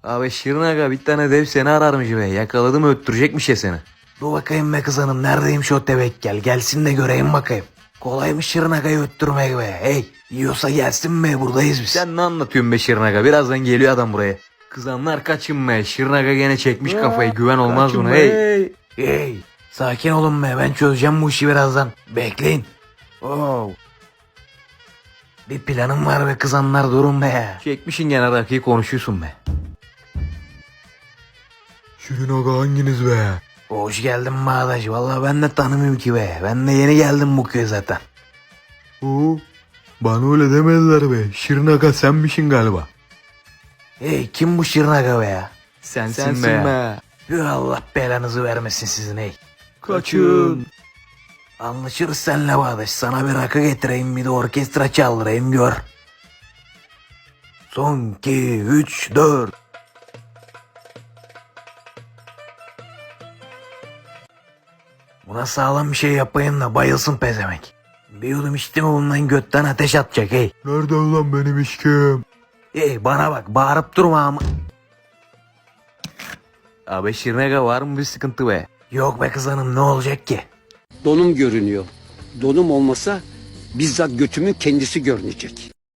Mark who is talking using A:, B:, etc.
A: Abi Şirin Aga bir tane dev seni ararmış be. Yakaladı mı öttürecekmiş ya seni. Dur bakayım be kız hanım, neredeymiş o tevekkül, gelsin de göreyim bakayım. Kolaymış Şirin Aga'yı öttürmek be. Hey, yiyorsa gelsin be, buradayız biz. Sen ne anlatıyorsun be Şirin Aga, birazdan geliyor adam buraya. Kızanlar kaçın be, Şirin Aga gene çekmiş kafayı, güven olmaz buna hey. Hey, sakin olun be, ben çözeceğim bu işi birazdan. Bekleyin. Oh. Bir planım var be kızanlar, durun be. Çekmişin gene rakıyı, konuşuyorsun be.
B: Şirin Aga hanginiz be?
A: Hoş geldin Bağdaş. Vallahi ben de tanımıyorum ki be. Ben de yeni geldim bu köye zaten.
B: Oo, bana öyle demediler be. Şirin Aga senmişsin galiba.
A: Hey, kim bu Şirin Aga be ya?
B: Sensin be.
A: Yuh, Allah belanızı vermesin sizin hey.
B: Kaçın.
A: Anlaşırız senle Bağdaş. Sana bir rakı getireyim, bir de orkestra çaldırayım, gör. Son 2, 3, 4. Buna sağlam bir şey yapayım da bayılsın pezemek. Bir yudum içti mi bundan götten ateş atacak hey.
B: Nerede ulan benim işkim?
A: Hey bana bak, bağırıp durma ama. Abi Şirin Aga var mı bir sıkıntı be? Yok be kız hanım, ne olacak ki?
C: Donum görünüyor. Donum olmasa bizzat götümün kendisi görünecek.